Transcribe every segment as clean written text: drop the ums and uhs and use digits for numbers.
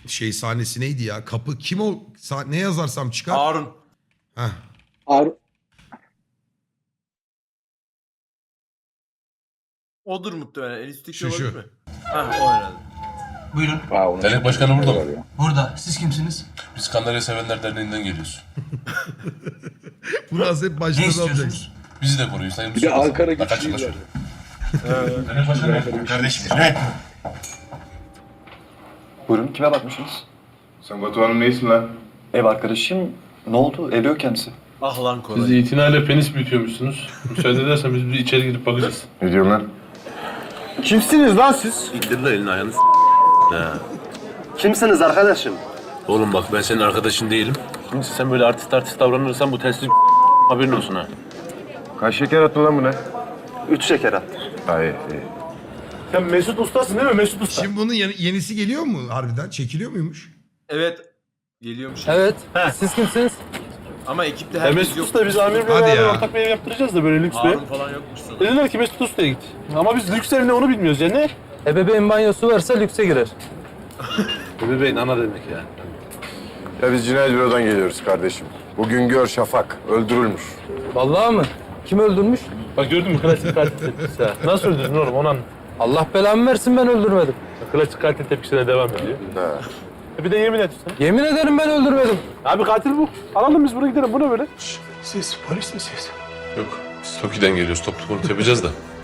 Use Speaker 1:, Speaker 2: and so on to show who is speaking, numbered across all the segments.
Speaker 1: şey sahnesi neydi ya? Kapı kim o? Ne yazarsam çıkar.
Speaker 2: Harun.
Speaker 1: Heh.
Speaker 2: Odur muhtemelen. En üstteki
Speaker 1: Şu.
Speaker 2: olabilir mi? Hah o herhalde.
Speaker 3: Buyurun.
Speaker 4: Dernek başkanı burada mı?
Speaker 3: Burada. Siz kimsiniz?
Speaker 4: Biz Kandarya Sevenler Derneği'nden geliyoruz.
Speaker 1: Bu nasıl hep
Speaker 3: Ne
Speaker 1: başınıza
Speaker 3: istiyorsunuz?
Speaker 1: alacaksın.
Speaker 4: Bizi de koruyun. Sayın
Speaker 5: Bir de Ankara güçlüyüz
Speaker 4: güçlüyüz.
Speaker 5: zaten.
Speaker 4: Dernek başkanı kardeşim.
Speaker 3: Evet.
Speaker 6: Buyurun, kime bakmışsınız?
Speaker 7: Sen Batuhan'ın neysin lan?
Speaker 6: Ev arkadaşım. Ne oldu? Evde yok kendisi.
Speaker 2: Ah lan
Speaker 8: Siz
Speaker 2: kolay.
Speaker 8: itinayla penis büyütüyormuşsunuz. Müsaade edersen biz bir içeri girip bakacağız.
Speaker 7: Ne diyorsun lan?
Speaker 9: Kimsiniz lan siz?
Speaker 4: İndir de elini ayağını
Speaker 9: Kimsiniz arkadaşım?
Speaker 4: Oğlum bak ben senin arkadaşın değilim. Şimdi sen böyle artist davranırsan bu telsiz haberin olsun ha.
Speaker 7: Kaç şeker attın lan buna?
Speaker 9: 3 şeker attı.
Speaker 7: Hayır.
Speaker 9: Sen Mesut Usta'sın değil mi? Mesut Usta.
Speaker 1: Şimdi bunun yenisi geliyor mu harbiden? Çekiliyor muymuş?
Speaker 2: Evet. Geliyormuş.
Speaker 10: Evet. Siz kimsiniz?
Speaker 2: Ama ekipte herkes
Speaker 8: Mesut
Speaker 2: yok.
Speaker 8: Usta biz amirle
Speaker 1: Hadi
Speaker 8: beraber
Speaker 1: ya.
Speaker 8: ortak bir ev yaptıracağız da böyle lüks bir ev.
Speaker 2: Harun falan yokmuş sanırım.
Speaker 8: Dediler ki Mesut Usta'ya git. Ama biz lüks ev ne onu bilmiyoruz ya ne?
Speaker 10: Ebeveyn banyosu varsa lükse girer.
Speaker 8: Bebeğin ana demek ya.
Speaker 7: Ya biz cinayet bürodan geliyoruz kardeşim. Bu Güngör Şafak öldürülmüş.
Speaker 10: Vallahi mı? Kim öldürmüş?
Speaker 8: Bak gördün mü klasik katil tepkisi ha. Nasıl öldürdün oğlum onu anlat.
Speaker 10: Allah belamı versin, ben öldürmedim.
Speaker 8: Klasik katil tepkisine devam ediyor.
Speaker 7: Ha.
Speaker 8: Bir de yemin et sen.
Speaker 10: Yemin ederim ben öldürmedim.
Speaker 8: Abi katil bu. Alalım biz buraya gidelim. Bu ne böyle?
Speaker 9: Siz polis misiniz?
Speaker 4: Yok. Biz Toki'den geliyoruz. Toplu konut yapacağız da.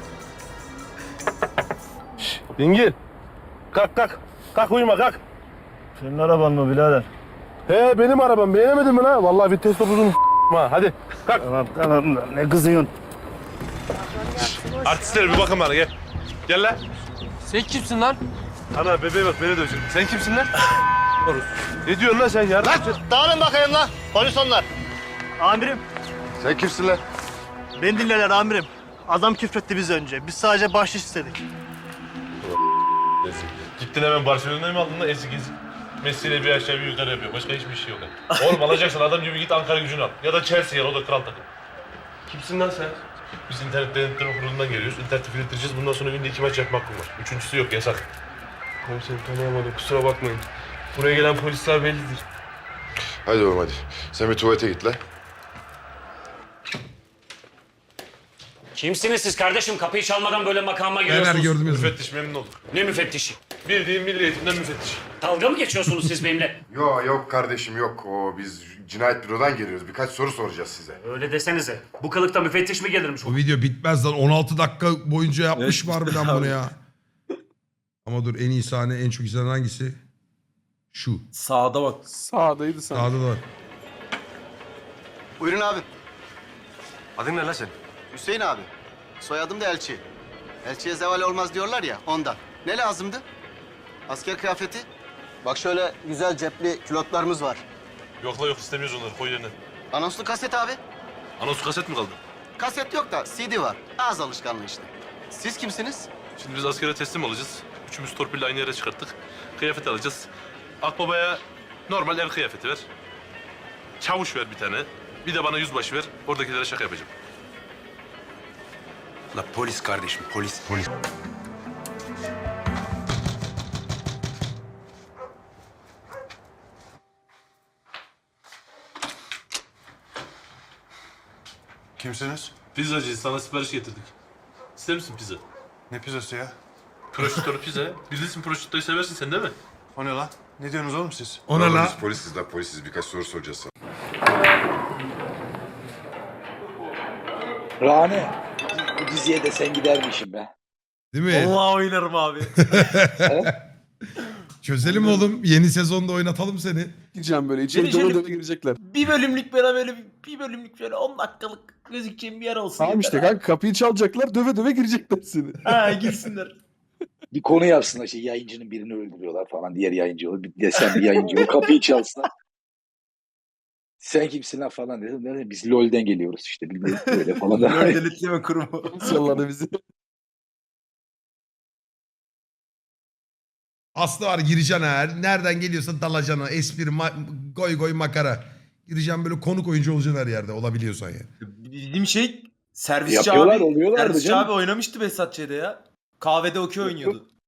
Speaker 8: Dingil. Kalk kalk. Kalk uyuma kalk.
Speaker 9: Senin araban mı birader?
Speaker 8: He benim arabam. Beğenemedin mi lan? Vallahi vites topuzunu ha. Hadi kalk.
Speaker 9: Tamam ne kızıyorsun?
Speaker 8: Artistlere bir bakın bana gel. Gel lan.
Speaker 10: Sen kimsin lan?
Speaker 8: Ana bebeğe bak beni dövecek. Sen kimsin lan? Ne diyorsun lan sen ya?
Speaker 9: Lan dağılın bakayım lan. Polis onlar. Amirim.
Speaker 7: Sen kimsin lan?
Speaker 9: Beni dinleler amirim. Adam küfretti biz önce. Biz sadece bahşiş istedik.
Speaker 8: Gittin hemen Barcelona'yı mı aldın lan ezik ezik? Messi'yle bir aşağı bir yukarı yapıyor. Başka hiçbir şey yok. Oğlum alacaksan adam gibi git Ankara Gücü'nü al. Ya da Chelsea'ye al, o da kral takım. Kimsin lan sen? Biz internet denetleme kurulundan geliyoruz. İnterneti filtreleyeceğiz. Bundan sonra günde 2 maç yapmak var. Üçüncüsü yok, yasak. Komiserim tanıyamadım, kusura bakmayın. Buraya gelen polisler bellidir.
Speaker 7: Hadi oğlum hadi. Sen bir tuvalete git lan.
Speaker 11: Kimsiniz siz kardeşim? Kapıyı çalmadan böyle makama
Speaker 1: Neler
Speaker 11: giriyorsunuz.
Speaker 1: gördüm yazın.
Speaker 8: Müfettiş memnun olduk.
Speaker 11: Ne müfettişi?
Speaker 8: Bildiğin milli eğitimden müfettiş.
Speaker 11: Dalga mı geçiyorsunuz siz benimle?
Speaker 7: Yok kardeşim yok. Biz cinayet bürodan geliyoruz. Birkaç soru soracağız size.
Speaker 11: Öyle desenize. Bu kılıkta müfettiş mi gelirmiş?
Speaker 1: Bu video bitmez lan. 16 dakika boyunca yapmış var harbiden bunu ya. Ama dur, en iyi sahne, en çok izlenen hangisi? Şu.
Speaker 2: Sağda bak.
Speaker 8: Sağdaydı
Speaker 1: Sağda da var.
Speaker 9: Buyurun abi.
Speaker 4: Adın ne lan sen?
Speaker 9: Hüseyin abi. Soyadım da Elçi. Elçiye zeval olmaz diyorlar ya ondan. Ne lazımdı? Asker kıyafeti. Bak şöyle güzel cepli külotlarımız var.
Speaker 8: Yok la yok, istemiyoruz onları, koy yerine.
Speaker 9: Anonslu kaset abi.
Speaker 8: Anons kaset mi kaldı?
Speaker 9: Kaset yok da CD var. Ağız alışkanlığı işte. Siz kimsiniz?
Speaker 8: Şimdi biz askere teslim olacağız. Üçümüz torpille aynı yere çıkarttık. Kıyafet alacağız. Akbabaya normal el kıyafeti ver. Çavuş ver bir tane. Bir de bana yüzbaşı ver. Oradakilere şaka yapacağım.
Speaker 4: La polis kardeşim, polis.
Speaker 7: Kimsiniz?
Speaker 8: Pizzacıyız, sana sipariş getirdik. İster misin pizza?
Speaker 7: Ne pizzası ya?
Speaker 8: Prosciutto pizza. Bilirsin, prosciuttoyu seversin sen değil mi?
Speaker 7: O ne lan? Ne diyorsunuz oğlum siz?
Speaker 1: Ona la.
Speaker 7: Biz polisiz lan polisiz. Birkaç soru soracağız sana.
Speaker 5: Rane. Bu diziye de sen gidermişim be.
Speaker 1: Değil mi?
Speaker 2: Allah oynarım abi.
Speaker 1: Çözelim oğlum. Yeni sezonda oynatalım seni.
Speaker 9: Gireceğim böyle
Speaker 2: içeri dolu dolu
Speaker 9: girecekler.
Speaker 2: Bir bölümlük böyle bir bölümlük böyle 10 dakikalık gözükeceğim bir yer olsun.
Speaker 9: Tamam işte
Speaker 2: yeter.
Speaker 9: kanka kapıyı çalacaklar döve döve girecekler seni.
Speaker 2: Ha girsinler.
Speaker 5: Bir konu yapsınlar işte, yayıncının birini öldürüyorlar falan. Diğer yayıncı olur. Bir desen bir yayıncı olur. Kapıyı çalsınlar. Sen kimsin lan falan dedim. Biz LoL'den geliyoruz işte. Bilmiyorum böyle falan.
Speaker 2: Denetleme kurumu.
Speaker 9: Salladı bizi.
Speaker 1: Aslı var, gireceksin ha. Nereden geliyorsa dalacaksın ha. Espri, goy goy makara. Gireceksin böyle konuk oyuncu olacaksın her yerde. Olabiliyorsan yani.
Speaker 2: Bildiğim şey servisçi
Speaker 5: Yapıyorlar,
Speaker 2: abi.
Speaker 5: oluyorlardı
Speaker 2: Servisçi
Speaker 5: canım.
Speaker 2: abi oynamıştı Behzat Ç'de ya. Kahvede okey oynuyordu.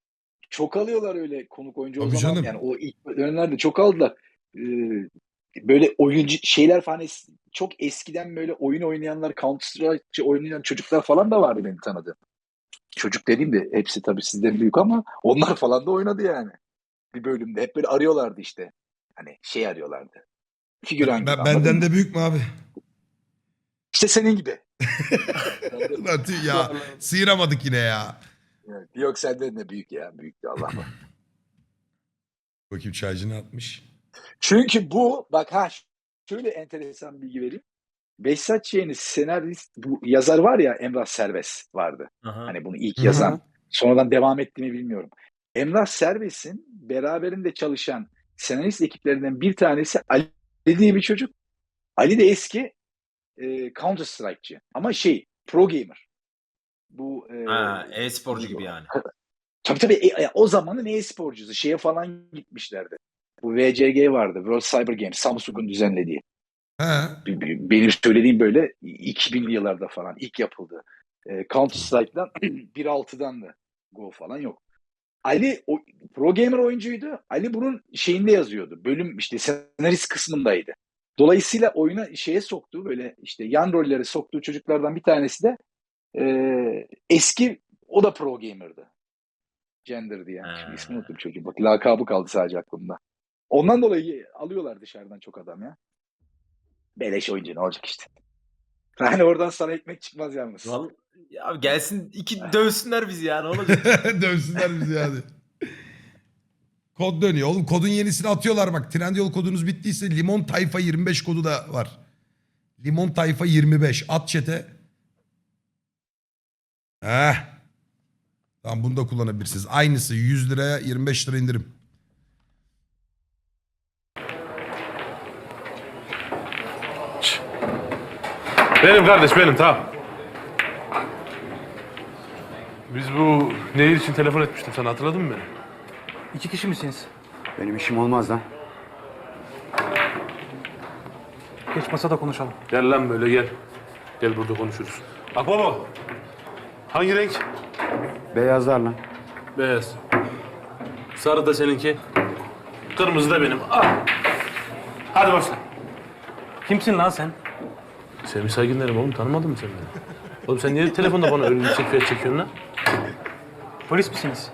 Speaker 5: çok alıyorlar öyle konuk oyuncu o
Speaker 1: Tabii
Speaker 5: zaman.
Speaker 1: canım.
Speaker 5: Yani o ilk dönemlerde çok aldılar. Böyle oyuncu şeyler falan çok eskiden böyle oyun oynayanlar, Counter Strike oynayan çocuklar falan da vardı benim tanıdığım. Çocuk dediğim de hepsi tabii sizden büyük ama onlar falan da oynadı yani. Bir bölümde hep böyle arıyorlardı işte. Hani şey arıyorlardı. Figüran gibi. anladın
Speaker 1: Benden
Speaker 5: mı?
Speaker 1: de büyük mü abi?
Speaker 5: İşte senin gibi.
Speaker 1: Lan tüh ya sıyıramadık yine ya.
Speaker 5: Evet, yok senden de büyük ya. Büyük de Allah var.
Speaker 1: Bakayım çaycını atmış.
Speaker 5: Çünkü bu bak şöyle enteresan bilgi vereyim. Behzat Ç'nin senarist bu yazar var ya Emrah Serbest vardı.
Speaker 2: Aha.
Speaker 5: Hani bunu ilk
Speaker 1: Hı hı.
Speaker 5: yazan sonradan devam etti mi bilmiyorum. Emrah Serbest'in beraberinde çalışan senarist ekiplerinden bir tanesi Ali diye bir çocuk. Ali de eski Counter Strike'cı ama pro gamer. Bu
Speaker 2: e-sporcu gibi yani.
Speaker 5: tabii o zamanın e-sporcusu şeye falan gitmişlerdi. Bu VCG vardı. World Cyber Games. Samsung'un düzenlediği.
Speaker 1: He.
Speaker 5: Benim söylediğim böyle 2000'li yıllarda falan ilk yapıldı. Counter Strike'dan 1.6'dan da Go falan yok. Ali pro gamer oyuncuydu. Ali bunun şeyinde yazıyordu. Bölüm işte senarist kısmındaydı. Dolayısıyla oyuna soktuğu böyle işte yan rolleri soktuğu çocuklardan bir tanesi de eski o da pro gamer'dı. Gender'dı yani. Şimdi ismini unuttum çocuğun. Bak lakabı kaldı sadece aklımda. Ondan dolayı alıyorlar dışarıdan çok adam ya. Beleş oyuncu ne olacak işte. Yani oradan sana ekmek çıkmaz yalnız.
Speaker 2: Vallahi, ya gelsin dövsünler bizi ya ne olacak?
Speaker 1: Dövsünler bizi hadi. Kod dönüyor. Oğlum kodun yenisini atıyorlar bak. Trendyol kodunuz bittiyse Limon Tayfa 25 kodu da var. Limon Tayfa 25. At chat'e. Tamam bunu da kullanabilirsiniz. Aynısı 100 liraya 25 lira indirim.
Speaker 8: Benim kardeş benim tamam. Biz bu nehir için telefon etmiştim sana hatırladın mı beni?
Speaker 3: 2 kişi misiniz?
Speaker 7: Benim işim olmaz lan.
Speaker 3: Geç masada konuşalım.
Speaker 8: Gel lan böyle gel. Gel burada konuşuruz. Bak baba. Hangi renk?
Speaker 7: Beyazlar lan.
Speaker 8: Beyaz. Sarı da seninki. Kırmızı da benim. Al. Hadi başla.
Speaker 3: Kimsin lan sen?
Speaker 8: Semih Saygın derim oğlum tanımadın mı sen beni? Oğlum sen niye telefonda bana öyle yüksek fiyat çekiyorsun lan?
Speaker 3: Polis misiniz?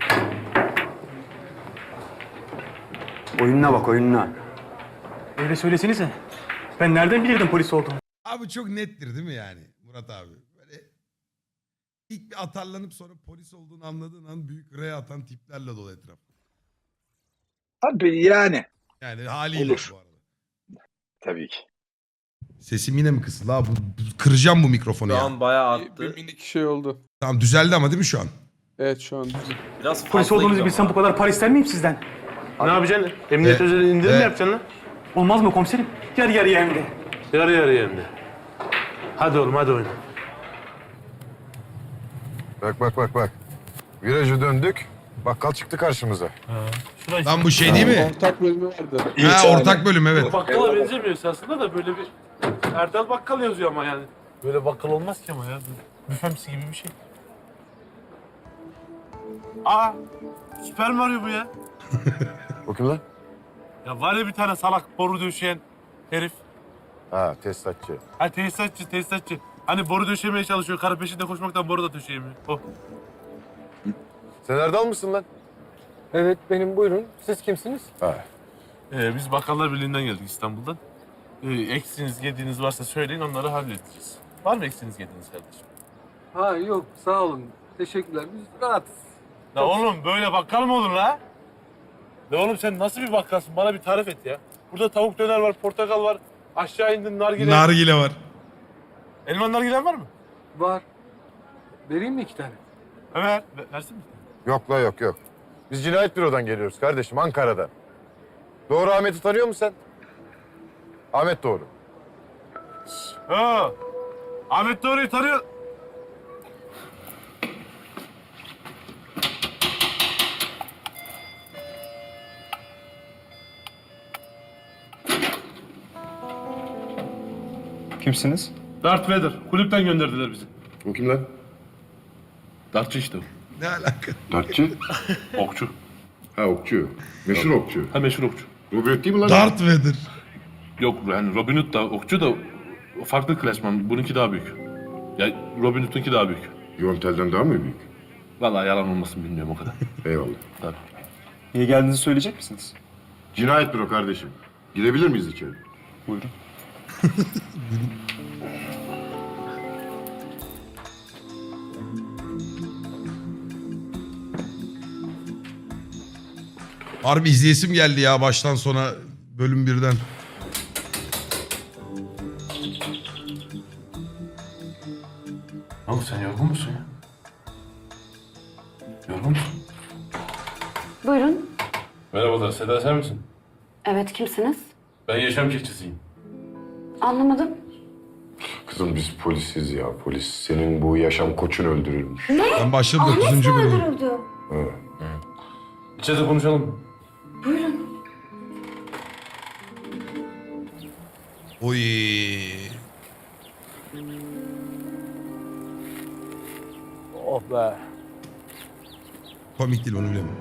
Speaker 7: Oyununa bak oyununa.
Speaker 3: Öyle söylesenize. Ben nereden bilirdim polis olduğumu?
Speaker 1: Abi çok nettir değil mi yani Murat abi? Böyle ilk bir atarlanıp sonra polis olduğunu anladığın an büyük R atan tiplerle dolu etraf.
Speaker 5: Tabii yani.
Speaker 1: Yani haliyle
Speaker 5: Olur.
Speaker 1: bu arada.
Speaker 5: Tabii ki.
Speaker 1: Sesim yine mi kısıldı abi? Kıracağım bu mikrofonu
Speaker 2: Şu
Speaker 1: ya.
Speaker 2: an bayağı attı.
Speaker 12: Bir minik şey oldu.
Speaker 1: Tamam düzeldi ama değil mi şu an?
Speaker 12: Evet şu an düzgün.
Speaker 2: Biraz
Speaker 3: Polis
Speaker 2: fazla
Speaker 3: olduğunuzu
Speaker 2: gibi
Speaker 3: bilsem
Speaker 2: ama.
Speaker 3: bu kadar para ister miyim sizden?
Speaker 8: Ne yapacaksın? Emniyet özel indirim mi yapacaksın lan?
Speaker 3: Olmaz mı komiserim? Yarı yarıya hem de.
Speaker 8: Yarı yarıya hem de. Hadi oğlum hadi oyna.
Speaker 7: Bak. Virajı döndük. Bakkal çıktı karşımıza.
Speaker 1: Lan bu şey değil mi?
Speaker 12: Ortak bölümü vardı.
Speaker 1: Ha ortak bölüm evet.
Speaker 8: Bakkala benzemiyor aslında da böyle bir Erdal Bakkal yazıyor ama yani. Böyle bakkal olmaz ki ama ya. Büfemsi gibi bir şey. Aa! Süper Mario bu ya.
Speaker 7: O kim lan?
Speaker 8: Ya var ya bir tane salak boru döşeyen herif.
Speaker 7: Ha tesisatçı.
Speaker 8: Ha tesisatçı. Hani boru döşemeye çalışıyor. Karı peşinde koşmaktan boru da döşeyemiyor. O.
Speaker 7: Sen Erdal mısın lan?
Speaker 10: Evet benim buyurun. Siz kimsiniz?
Speaker 7: Ha.
Speaker 8: Biz Bakkallar Birliği'nden geldik İstanbul'dan. Eksiniz, yediğiniz varsa söyleyin onları halledeceğiz. Var mı eksiniz, yediğiniz kardeşim?
Speaker 10: Ha yok sağ olun. Teşekkürler. Biz rahatız.
Speaker 8: La oğlum böyle bakkal mı olur la? La oğlum sen nasıl bir bakkalsın? Bana bir tarif et ya. Burada tavuk döner var, portakal var. Aşağı indin nargile.
Speaker 1: Nargile var.
Speaker 8: Elman nargilen var mı?
Speaker 10: Var. Vereyim mi 2 tane?
Speaker 8: Evet. Versin mi?
Speaker 7: Yok la yok. Biz cinayet bürodan geliyoruz kardeşim Ankara'dan. Doğru Ahmet'i tanıyor musun sen? Ahmet Doğru.
Speaker 8: Ha. Ahmet Doğru'yu tanıyor.
Speaker 6: Kimsiniz?
Speaker 8: Darth Vader. Kulüpten gönderdiler bizi.
Speaker 7: O kim lan?
Speaker 8: Dartçı işte o.
Speaker 1: Ne alaka?
Speaker 7: Dartçı?
Speaker 8: Okçu.
Speaker 7: Ha okçu. Meşhur okçu.
Speaker 8: Ha meşhur okçu.
Speaker 7: Robin Hood değil mi lan?
Speaker 1: Darth Vader.
Speaker 8: Yok yani Robin Hood da okçu da farklı klasman. Bununki daha büyük. Ya Robin Hood'unki daha büyük.
Speaker 7: Yontel'den daha mı büyük?
Speaker 8: Vallahi yalan olmasın bilmiyorum o kadar.
Speaker 7: Eyvallah.
Speaker 8: Tabii.
Speaker 6: Niye geldiğinizi söyleyecek misiniz?
Speaker 7: Cinayet büro kardeşim. Girebilir miyiz içeri?
Speaker 6: Buyurun.
Speaker 1: Harbi izleyesim geldi ya baştan sona bölüm birden.
Speaker 8: Oğlum sen yorgun musun ya? Yorgun musun?
Speaker 13: Buyurun.
Speaker 8: Merhabalar, Seda sen misin?
Speaker 13: Evet, kimsiniz?
Speaker 8: Ben yaşam keçisiyim.
Speaker 13: Anlamadım.
Speaker 7: Kızım biz polisiz ya polis. Senin bu yaşam koçun öldürülmüş.
Speaker 1: Ben başladım
Speaker 13: Ahmet
Speaker 1: 9.
Speaker 13: mi
Speaker 1: bölüm.
Speaker 13: öldürüldü?
Speaker 8: İçeride konuşalım.
Speaker 13: Buyurun.
Speaker 1: Oy.
Speaker 2: Oh be.
Speaker 1: Komik değil onu bilemem.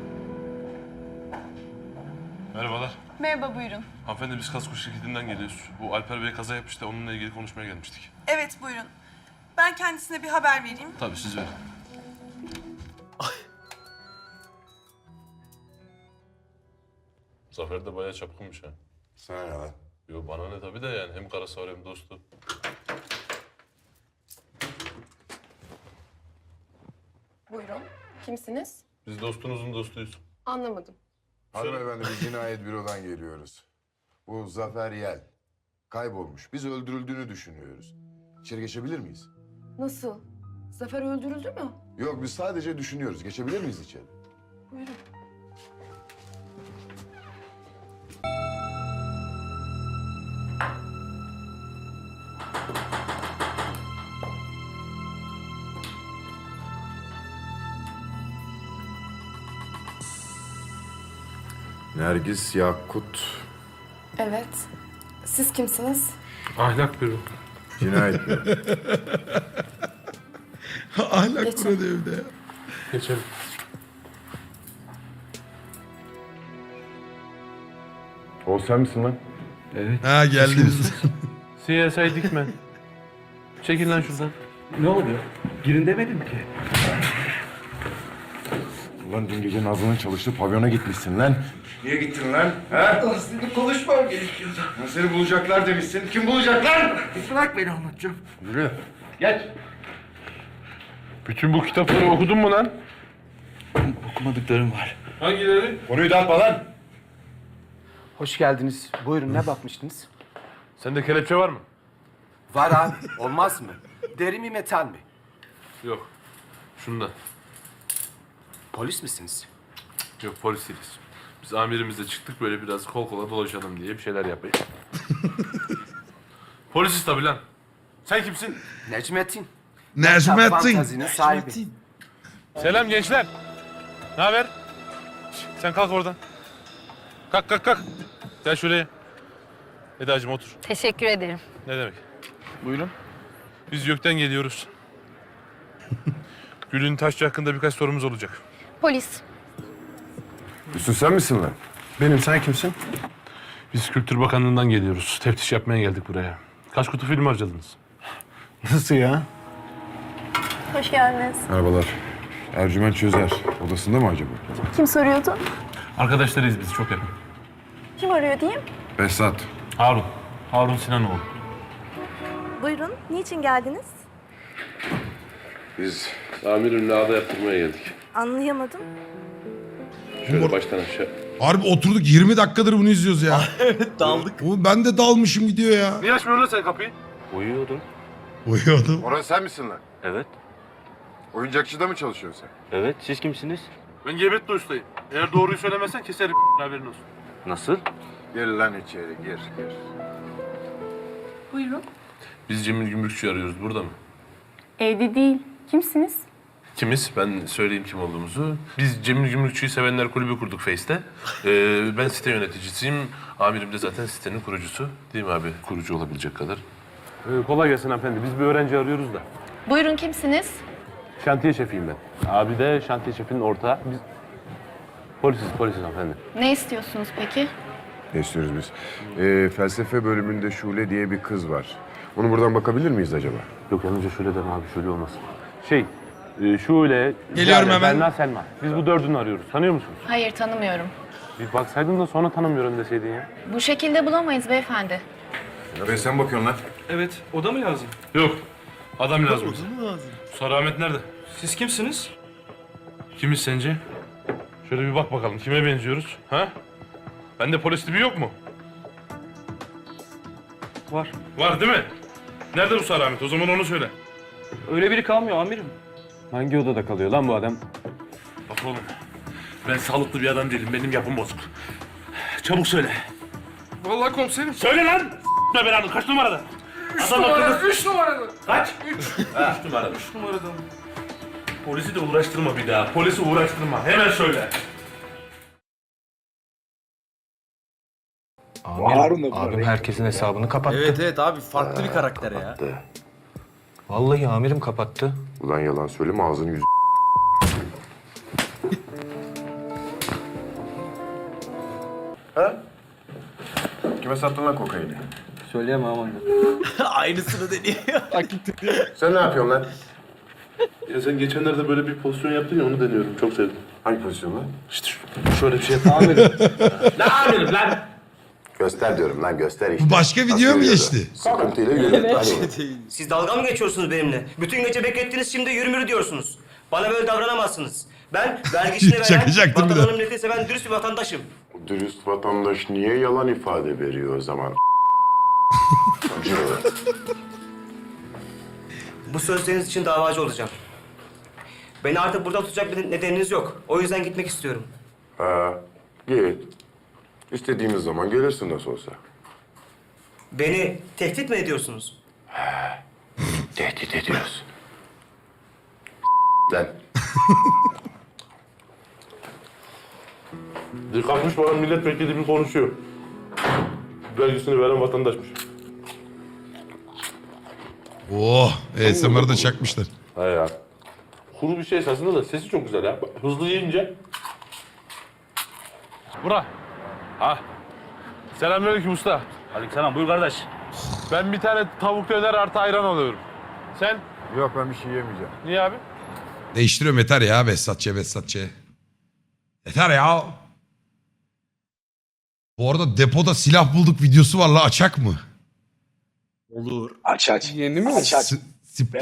Speaker 8: Merhabalar.
Speaker 14: Merhaba, buyurun.
Speaker 8: Hanımefendi biz kasko şirketinden geliyoruz. Bu Alper Bey kaza yapmış da onunla ilgili konuşmaya gelmiştik.
Speaker 14: Evet, buyurun. Ben kendisine bir haber vereyim.
Speaker 8: Tabii siz verin. Zafer de bayağı çapkınmış ha.
Speaker 7: Sana ne lan?
Speaker 8: Yo bana ne tabii de yani hem karısı var hem dostu.
Speaker 14: Buyurun. Kimsiniz?
Speaker 8: Biz dostunuzun dostuyuz.
Speaker 14: Anlamadım.
Speaker 7: Hanımefendi biz cinayet bürodan geliyoruz. Bu Zafer Yel. Kaybolmuş. Biz öldürüldüğünü düşünüyoruz. İçeri geçebilir miyiz?
Speaker 14: Nasıl? Zafer öldürüldü mü?
Speaker 7: Yok biz sadece düşünüyoruz. Geçebilir miyiz içeri?
Speaker 14: Buyurun.
Speaker 7: Nergis Yakut.
Speaker 14: Evet. Siz kimsiniz?
Speaker 8: Ahlak büro.
Speaker 7: Cinayet büro.
Speaker 1: Ahlak
Speaker 14: Geçin.
Speaker 1: kuradı evde ya.
Speaker 8: Geçelim.
Speaker 7: O sen misin lan?
Speaker 1: Ha geldiniz.
Speaker 8: CSI Dikmen. Çekil lan şuradan.
Speaker 3: Ne oluyor? Girin demedim ki.
Speaker 7: Ulan dün gece Nazlı'nın çalıştığı pavyona gitmişsin lan. Niye gittin lan? Ha?
Speaker 10: Aslında konuşmam gerekiyordu.
Speaker 7: Lan seni bulacaklar demişsin. Kim bulacak lan?
Speaker 10: Bırak beni anlatacağım.
Speaker 7: Yürü.
Speaker 8: Geç. Bütün bu kitapları okudun mu lan?
Speaker 3: Okumadıklarım var.
Speaker 8: Hangileri?
Speaker 7: Konuyu dağıtma lan.
Speaker 2: Hoş geldiniz. Buyurun ne bakmıştınız?
Speaker 8: Sende kelepçe var mı?
Speaker 2: Var abi. Olmaz mı? Deri mi metal mi?
Speaker 8: Yok. Şunda.
Speaker 2: Polis misiniz?
Speaker 8: Yok polis değiliz. Biz amirimizle çıktık böyle biraz kol kola dolaşalım diye bir şeyler yapayım. Polisiz tabii lan. Sen kimsin?
Speaker 2: Necmettin.
Speaker 1: Necmettin.
Speaker 2: Fantazinin sahibi.
Speaker 8: Selam gençler. Ne haber? Sen kalk oradan. Kalk kalk kalk. Gel şuraya. Eda'cığım otur.
Speaker 14: Teşekkür ederim.
Speaker 8: Ne demek? Buyurun. Biz YÖK'ten geliyoruz. Gül'ün Taşçı hakkında birkaç sorumuz olacak.
Speaker 14: Polis.
Speaker 7: Hüsnü sen misin lan?
Speaker 8: Benim, sen kimsin? Biz Kültür Bakanlığı'ndan geliyoruz. Teftiş yapmaya geldik buraya. Kaç kutu film harcadınız?
Speaker 3: Nasıl ya?
Speaker 14: Hoş geldiniz.
Speaker 7: Merhabalar. Ercüment Çözer. Odasında mı acaba?
Speaker 14: Kim soruyordu?
Speaker 8: Arkadaşlarıyız biz, çok yakın.
Speaker 14: Kim arıyor diyeyim?
Speaker 7: Behzat.
Speaker 8: Harun. Harun Sinanoğlu.
Speaker 14: Buyurun. Niçin geldiniz?
Speaker 7: Biz
Speaker 8: Amirimle ağda yaptırmaya geldik.
Speaker 14: Anlayamadım.
Speaker 8: Şöyle baştan aşağı.
Speaker 1: Harbi oturduk 20 dakikadır bunu izliyoruz ya.
Speaker 2: Evet daldık.
Speaker 1: Oğlum ben de dalmışım gidiyor ya.
Speaker 8: Niye açmıyorsun lan sen kapıyı?
Speaker 11: Uyuyordum.
Speaker 1: Uyuyordum.
Speaker 7: Orhan sen misin lan?
Speaker 11: Evet.
Speaker 7: Oyuncakçıda mı çalışıyorsun sen?
Speaker 11: Evet, siz kimsiniz?
Speaker 8: Ben Gebetli ustayım. Eğer doğruyu söylemezsen keserim haberin olsun.
Speaker 11: Nasıl?
Speaker 7: Gir lan içeri gir.
Speaker 14: Buyurun.
Speaker 8: Biz Cemil Gümrükçü arıyoruz, burada mı?
Speaker 14: Evde değil. Kimsiniz?
Speaker 8: Kimiz? Ben söyleyeyim kim olduğumuzu. Biz Cemil Gümrükçü'yü sevenler kulübü kurduk Face'te. Ben site yöneticisiyim. Amirim de zaten sitenin kurucusu. Değil mi abi? Kurucu olabilecek kadar. Kolay gelsin hanımefendi. Biz bir öğrenci arıyoruz da.
Speaker 14: Buyurun kimsiniz?
Speaker 4: Şantiye şefiyim ben. Abi de şantiye şefinin ortağı. Biz polisiz hanımefendi.
Speaker 14: Ne istiyorsunuz peki?
Speaker 7: Ne istiyoruz biz? Felsefe bölümünde Şule diye bir kız var. Onu buradan bakabilir miyiz acaba?
Speaker 4: Yok yalnızca şöyle deme abi, şöyle olmasın. Şule,
Speaker 1: Geliyorum
Speaker 4: Ziyade,
Speaker 1: hemen.
Speaker 4: Berna, Selma. Biz bu dördünü arıyoruz. Tanıyor musunuz?
Speaker 14: Hayır, tanımıyorum.
Speaker 4: Bir baksaydın da sonra tanımıyorum deseydin ya.
Speaker 14: Bu şekilde bulamayız beyefendi.
Speaker 7: Ve sen bakıyorsun lan.
Speaker 3: Evet, o da mı lazım?
Speaker 8: Yok. Adam lazım. Sarı Ahmet nerede?
Speaker 3: Siz kimsiniz?
Speaker 8: Kimiz sence? Şöyle bir bak bakalım. Kime benziyoruz? Ha? Bende polis tipi yok mu?
Speaker 3: Var.
Speaker 8: Var değil mi? Nerede bu Sarı Ahmet? O zaman onu söyle.
Speaker 3: Öyle biri kalmıyor amirim.
Speaker 4: Hangi odada kalıyor lan bu adam?
Speaker 8: Bak oğlum. Ben sağlıklı bir adam değilim. Benim yapım bozuk. Çabuk söyle.
Speaker 12: Vallahi komiserim.
Speaker 8: Söyle lan! Ne belanı? Kaç numarada? Adam akıllı.
Speaker 12: 3 numarada.
Speaker 8: Kaç? 3 numarada.
Speaker 12: 3 numarada.
Speaker 8: Polisi de uğraştırma bir daha. Polisi uğraştırma. Hemen söyle.
Speaker 5: Harun da
Speaker 3: Abim herkesin hesabını kapattı.
Speaker 2: Evet abi farklı bir karakter ya.
Speaker 3: Vallahi amirim kapattı.
Speaker 7: Ulan yalan söyleme ağzını yüzü. Ha? Kime sattın lan kokaini?
Speaker 3: Söyleyemem ama.
Speaker 2: Aynısını deniyor.
Speaker 7: Sen ne yapıyorsun lan?
Speaker 8: Ya sen geçenlerde böyle bir pozisyon yaptın ya, onu deniyorum. Çok sevdim.
Speaker 7: Hangi pozisyon lan?
Speaker 8: İşte şöyle bir şey yap. Amirim. Ne amirim lan?
Speaker 7: Göster diyorum lan göster işte.
Speaker 1: Bu başka video
Speaker 7: Nasıl
Speaker 1: mu
Speaker 7: yürüyordu?
Speaker 1: geçti?
Speaker 7: Sıkıntıyla yürüdü. Hadi.
Speaker 11: Siz dalga mı geçiyorsunuz benimle? Bütün gece beklettiniz, şimdi yürümürü diyorsunuz. Bana böyle davranamazsınız. Ben vergisini veren,
Speaker 1: Çakacaktım bir de.
Speaker 11: vatandaşım, milleti seven dürüst bir vatandaşım.
Speaker 7: Dürüst vatandaş niye yalan ifade veriyor o zaman?
Speaker 11: Bu sözleriniz için davacı olacağım. Beni artık burada tutacak bir nedeniniz yok. O yüzden gitmek istiyorum.
Speaker 7: Ha, git. İstediğimiz zaman gelirsin nasıl olsa.
Speaker 11: Beni tehdit mi ediyorsunuz?
Speaker 7: Tehdit ediyoruz. Lan.
Speaker 8: Kalkmış bana milletvekili bir konuşuyor. Vergisini veren vatandaşmış.
Speaker 1: Oh, ASMR'ı da çakmışlar.
Speaker 8: He ya. Kuru bir şey esasında da sesi çok güzel ya. Bak, hızlı yiyince. Bura. Ha. Selamünaleyküm usta.
Speaker 11: Aleykümselam, buyur kardeş.
Speaker 8: Ben bir tane tavuk döner artı ayran alıyorum. Sen?
Speaker 7: Yok ben bir şey yemeyeceğim.
Speaker 8: Niye abi?
Speaker 1: Değiştiriyorum yeter ya Behzatçı'ya. Yeter ya. Bu arada depoda silah bulduk videosu var la, açak mı?
Speaker 2: Olur.
Speaker 5: Aç.
Speaker 12: Yeni mi?
Speaker 5: Aç.